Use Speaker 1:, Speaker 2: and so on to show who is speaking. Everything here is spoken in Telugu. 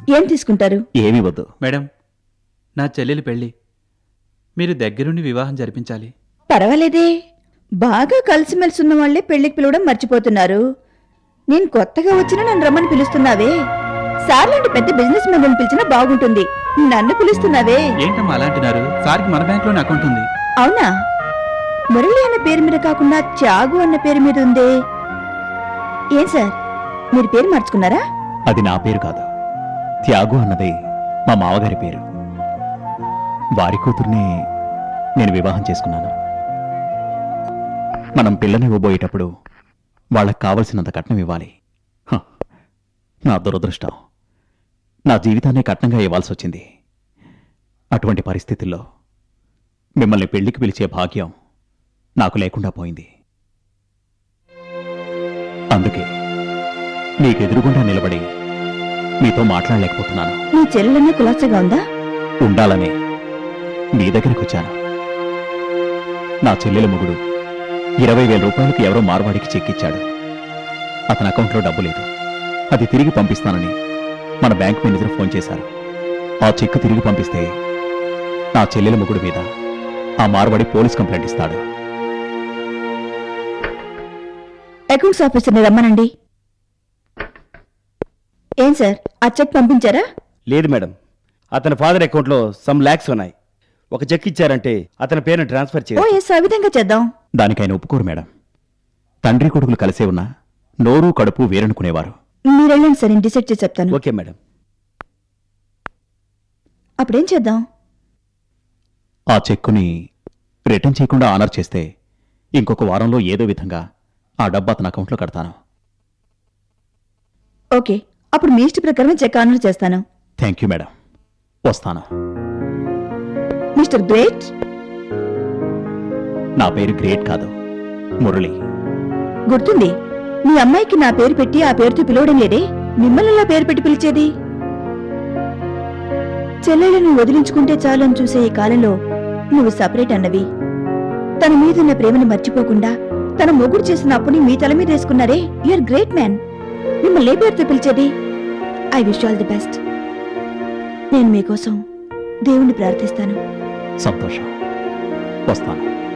Speaker 1: ఏం తీసుకుంటారు?
Speaker 2: ఏమీ వద్దు.
Speaker 3: మేడం, నా చెల్లెలి పెళ్లి మీరు దగ్గరుండి వివాహం జరిపించాలి.
Speaker 1: పర్వాలేదే, బాగా కలిసిమెలిసి ఉన్న వాళ్లే పెళ్లికి పిలవడం మర్చిపోతున్నారు. నేను కొత్తగా వచ్చినా నన్ను రమ్మని పిలుస్తున్నావే. సార్ లాంటి పెద్ద బిజినెస్ మ్యాన్ పిలిచినా బాగుంటుంది, నన్ను పిలుస్తున్నావే.
Speaker 3: ఏంటమ్మా అలా అంటున్నారు? సార్కి మన బ్యాంక్లోనే అకౌంట్ ఉంది.
Speaker 1: అవునా? మురళి అన్న పేరు మీద కాకుండా త్యాగు అన్న పేరు మీద ఉందే. ఏం సార్, మీరు పేరు మార్చుకున్నారా?
Speaker 2: అది నా పేరు కాదు, త్యాగు అన్నది మా మావగారి పేరు. వారి కూతుర్ని నేను వివాహం చేసుకున్నాను. మనం పిల్లని ఇవ్వబోయేటప్పుడు వాళ్ళకి కావలసినంత కట్నం ఇవ్వాలి. హ, నా దురదృష్టం, నా జీవితాన్ని కట్నంగా ఇవ్వాల్సి వచ్చింది. అటువంటి పరిస్థితుల్లో మిమ్మల్ని పెళ్లికి పిలిచే భాగ్యం నాకు లేకుండా పోయింది. అందుకే మీకు ఎదురుగుండా నిలబడి మీతో మాట్లాడలేకపోతున్నాను.
Speaker 1: నీ చెల్లెలన్నీ కులాసగా ఉందా?
Speaker 2: ఉండాలనే మీ దగ్గరికి వచ్చాను. నా చెల్లెల మొగుడు 20,000 రూపాయలకి ఎవరో మార్వాడికి చెక్ ఇచ్చాడు. అతని అకౌంట్లో డబ్బు లేదు. అది తిరిగి పంపిస్తానని మన బ్యాంక్ మేనేజర్ ఫోన్ చేశారు. ఆ చెక్ తిరిగి పంపిస్తే నా చెల్లెల మొగుడు మీద ఆ మార్వాడి పోలీస్ కంప్లైంట్ ఇస్తాడు.
Speaker 1: అకౌంట్స్ ఆఫీసర్ని రమ్మనండి. ఏం సార్, ఆ చెక్ పంపించారా?
Speaker 4: లేదు మేడం, అతని ఫాదర్ అకౌంట్లో సమ్ లాక్స్ ఉన్నాయి. ఒక చెక్ ఇచ్చారంటే అతని పేరును ట్రాన్స్ఫర్
Speaker 1: ఓ
Speaker 4: చేయాలి.
Speaker 1: ఎస్, ఆ విధంగా చేద్దాం.
Speaker 2: దానికి ఆయన ఒప్పుకోరు మేడం. తండ్రి కొడుకులు కలిసే ఉన్నా నోరు కడుపు వేరనుకునేవారు.
Speaker 1: మీరెళ్ళండి సార్, నేను డిసైడ్ చేసి చెప్తాను.
Speaker 4: Okay madam.
Speaker 1: అప్పుడేం చేద్దాం?
Speaker 2: ఆ చెక్కుని రిటర్న్ చేయకుండా ఆనర్ చేస్తే ఇంకొక వారంలో ఏదో విధంగా ఆ డబ్బు అతని అకౌంట్లో కడతాను.
Speaker 1: ఓకే, అప్పుడు మీ ఇష్ట ప్రకారం చెక్ ఆనర్ చేస్తాను.
Speaker 2: థ్యాంక్ యూ మేడం, వస్తాను.
Speaker 1: Mister great.
Speaker 2: నా పేరు గ్రేట్ కాదు, మురళి.
Speaker 1: గుర్తుంది, మీ అమ్మాయికి నా పేరు పెట్టి ఆ పేరుతో పిలవడం లేదే, మిమ్మల్ని ఎలా పేరు పెట్టి పిలిచేది? చెల్లెలను వదిలించుకుంటే చాలని చూసే ఈ కాలంలో నువ్వు సపరేట్ అన్నవి. తన మీదున్న ప్రేమను మర్చిపోకుండా తన మొగుడు చేసిన అప్పుని మీ తల మీద వేసుకున్నారే. You're great man. మిమ్మల్ని ఏ పేరుతో పిలిచేది? I wish all the best. నేను మీకోసం దేవుణ్ణి ప్రార్థిస్తాను.
Speaker 2: సంతోషం, వస్తాను.